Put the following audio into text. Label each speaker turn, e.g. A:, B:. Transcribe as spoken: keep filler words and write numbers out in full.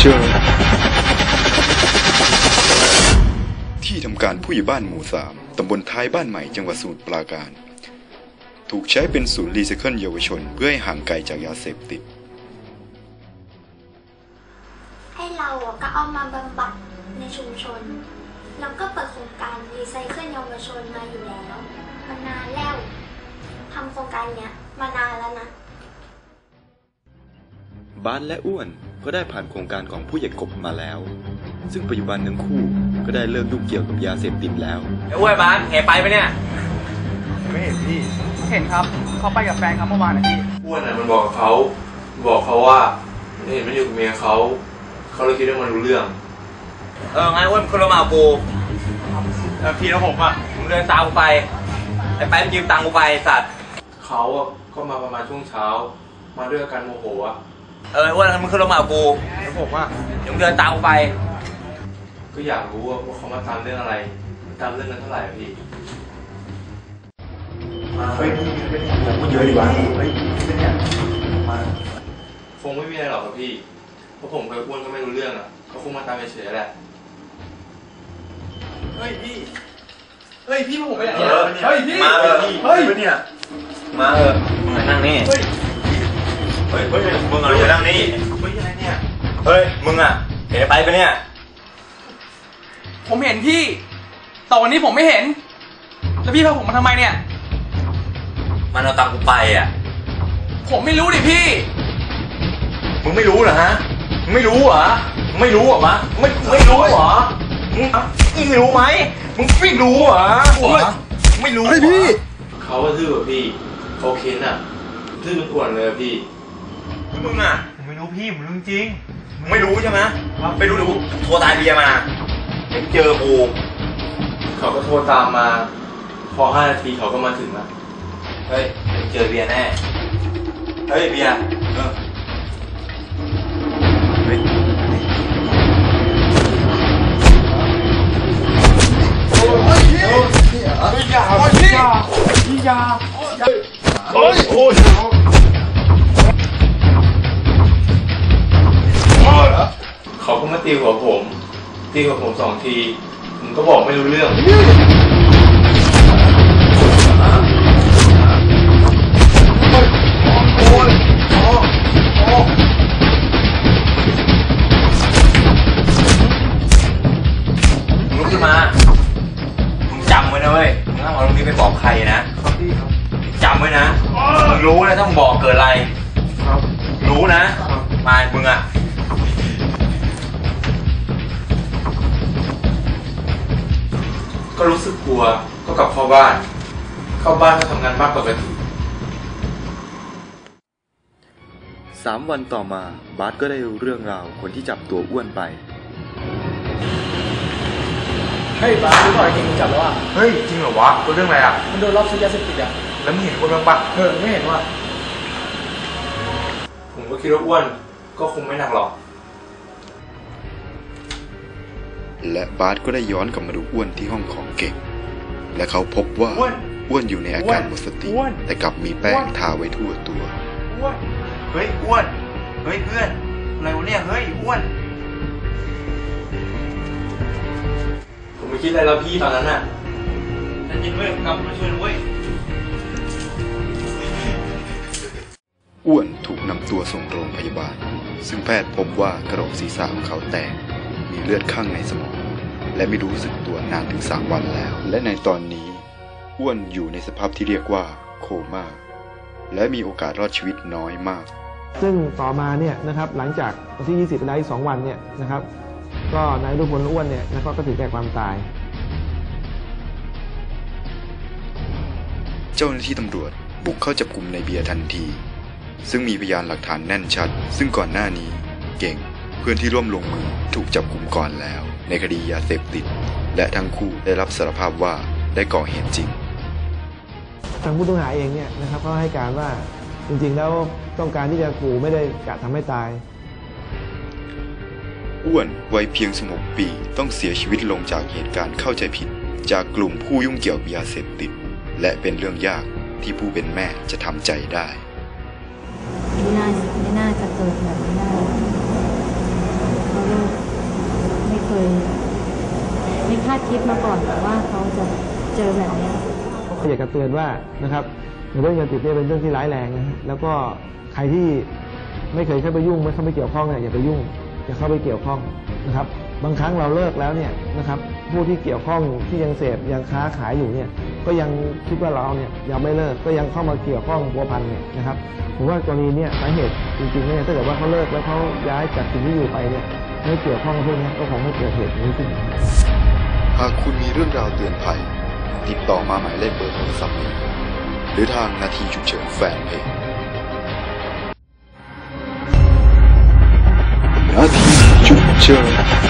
A: จอที่ทำการผู้ใหญ่บ้านหมู่สามตำบลท้ายบ้านใหม่จังหวัดสมุทรปราการถูกใช้เป็นศูนย์รีไซเคิลเยาวชนเพื่อให้ห่างไกลจากยาเสพติด
B: ให้เราก็เอามาบำบัดในชุมชนแล้วก็เปิดโครงการรีไซเคิลเยาวชนมาอยู่แล้วมานานแล้วทำโครงการเนี้ยมานานแล้วนะ
A: บ้านและอ้วนก็ได้ผ่านโครงการของผู้ใหญ่กบมาแล้วซึ่งปัจจุบันทั้งคู่ก็ได้เลิกยุ่งเกี่ยวกับยาเสพติดแล้ว
C: ไอ้อ้วนบ้านเห็นไปไหมเนี่ย
D: ไม่เห็นพี่เห็นครับเขาไปกับแฟนครับเมื่อวานนะพี่
E: อ้วนอ่ะมันบอกกับเขาบอกเขาว่าเห็นมันอยู่กับเมียเขาเขาเลยคิดว่ามันรู้เรื่อง
C: เอองั้นอ้วนคนละมากูแล้วพี่แล้วผมอ่ะมึงเดินตามกูไปไอ้ไปมันยืมตังค์กูไปสัตว์
E: เขาอ่ะก็มาประมาณช่วงเช้ามาด้วยอาการโมโหอ่ะ
C: เอออ้วนมึงขึ้นรถมากู
D: แล้วผมอ่ะ
C: มึงเดินตามกูไป
E: ก็อยากรู้ว่าเขามาตามเรื่องอะไรตามเรื่องนั้นเท่าไหร่พี่มาเฮ้ยเป็นผมก็เยอะดีกว่าเฮ้ยเป็นเนี่ยมาคงไม่มีอะไรหรอกครับพี่เพราะผมกับอ้วนก็ไม่รู้เรื่องอ่ะเขาคงมาตามเฉยๆแหละ
D: เฮ้ยพี่เฮ้ยพี่ผมไปไหน
C: เฮ้ยพี่มาเออเฮ้ยเนี่ยมาเออมึงนั่งนี่เฮ้ยเฮ้ยมึงอะไรจะนั่งนี่
E: เฮ้ยอะไรเนี่ย
C: เฮ้ยมึงอ่ะเห็นไปปะเนี่ย
D: ผมเห็นพี่แต่วันนี้ผมไม่เห็นแล้วพี่พาผมมาทำไมเนี่ย
C: มันเอาตังค์กูไปอ่ะ
D: ผมไม่รู้ดิพี่
C: มึงไม่รู้เหรอฮะมึงไม่รู้เหรอมึงไม่รู้เหรอมะไม่ไม่รู้เหรอมึงมึงไม่รู้ไหมมึงไม่รู้เหรอไม่รู้
A: ไอ้พี่
E: เขาก็ทื่อแบบพี่เขาเค้นอ่ะทื่อเป็นอ้วนเลยพี่
C: มึงอ่ะมึงไม่รู้พี่มึงรู้จริงมึงไม่รู้ใช่ไหมไม่รู้เดี๋ยวกูโทรตายเบียร์มาเดี๋ยวเจอกู
E: เขาก็โทรตามมาพอห้านาทีเขาก็มาถึงแล้ว
C: เฮ้ยเจอเบียร์แน่เฮ้ยเบียร์เออเฮ้ย
D: โอ้ยพี่อย่าโอ้ยพี่อย่าพี่อย่าโอ้ยโอ้ย
E: เขาก็มาตีหัวผมตีหัวผมสองทีผมก็บอกไม่รู้เรื่อง
C: ลุกขึ้นมามึงจำไว้นะเว้ยมึงห้ามเอาตรงนี้ไปบอกใครนะจำไว้นะมึงรู้นะต้องบอกเกิดอะไรรู้นะมามึงอ่ะ
E: ก็รู้สึกกลัวก็กลับเข้าบ้านเข้าบ้านก็ทำงานมากปกติ
A: สามวันต่อมาบาสก็ได้รู้เรื่องราวคนที่จับตัวอ้วนไป
D: เฮ้ยบาสรู้ก่อนเก่งจับแล้วอ่ะ
E: เฮ้ยจริงเหรอวะเรื่องอะไรอ่ะ
D: มันโดนรอบซื้อยาเสพติดอ่ะ
E: แล้วมึงเห็นคนบ้างปะ
D: เออไม่เห็นว่ะ
E: ผมก็คิดว่าอ้วนก็คงไม่หนักหรอก
A: และบาสก็ได้ย้อนกลับมาดูอ้วนที่ห้องของเก่งและเขาพบว่าอ้วนอยู่ในอาการหมดสติแต่กลับมีแป้งทาไว้ทั่วตัว
C: เฮ้ยอ้วนเฮ้ยเพื่อนอะไรวะเนี่ยเฮ้ยอ้วน
E: ผมไม่คิดอะไรแล้วพี่ตอนนั้นน่ะ
C: นั่นยินเว้ยกำมาช่วยด้วย
A: อ้วนถูกนำตัวส่งโรงพยาบาลซึ่งแพทย์พบว่ากระโหลกศีรษะของเขาแตกมีเลือดข้างในสมองและไม่รู้สึกตัวนานถึงสามวันแล้วและในตอนนี้อ้วนอยู่ในสภาพที่เรียกว่าโคม่าและมีโอกาสรอดชีวิตน้อยมาก
F: ซึ่งต่อมาเนี่ยนะครับหลังจากวันที่ยี่สิบไปแล้วอีกสองวันเนี่ยนะครับก็นายรุ่งพลอ้วนเนี่ยนะครับก็ถึงแก่ความตาย
A: เจ้าหน้าที่ตำรวจบุกเข้าจับกุมในเบียร์ทันทีซึ่งมีพยานหลักฐานแน่นชัดซึ่งก่อนหน้านี้เก่งเพื่อนที่ร่วมลงมือถูกจับกุมก่อนแล้วในคดียาเสพติดและทั้งคู่ได้รับสารภาพว่าได้ก่อเหตุจริง
F: ทางผู้ต้องหาเองเนี่ยนะครับก็ให้การว่าจริงๆแล้วต้องการที่จะขู่ไม่ได้กะทำให้ตาย
A: อ้วนวัยเพียงสิบหกปีต้องเสียชีวิตลงจากเหตุการณ์เข้าใจผิดจากกลุ่มผู้ยุ่งเกี่ยวกับยาเสพติดและเป็นเรื่องยากที่ผู้เป็นแม่จะทำใจได้
G: ไม่น่าไม่น่าจะเกิดแบบนี้ได้เขาคิดมาก่อนว่าเขาจะเจอแบบนี้
F: อยากจะเตือนว่านะครับเรื่องยาเสพติดเป็นเรื่องที่ร้ายแรงนะแล้วก็ใครที่ไม่เคยเข้าไปยุ่งไม่เข้าไปเกี่ยวข้องเนี่ยอย่าไปยุ่งอย่าเข้าไปเกี่ยวข้องนะครับบางครั้งเราเลิกแล้วเนี่ยนะครับผู้ที่เกี่ยวข้องที่ยังเสพยังค้าขายอยู่เนี่ยก็ยังคิดว่าเราเนี่ยยังไม่เลิกก็ยังเข้ามาเกี่ยวข้องพัวพันเนี่ยนะครับผมว่ากรณีเนี่ยสาเหตุจริงๆเนี่ยถ้าเกิดว่าเขาเลิกแล้วเขาย้ายจากสิ่งที่อยู่ไปเนี่ยไม่เกี่ยวข้องกับพวกนี้ก็คงไม่เกิดเหตุนี้ขึ้น
A: หากคุณมีเรื่องราวเตือนภัยติดต่อมาหมายเลขเบอร์โทรศัพท์นี้หรือทางนาทีฉุกเฉินแฟนเพจนาทีฉุกเฉิน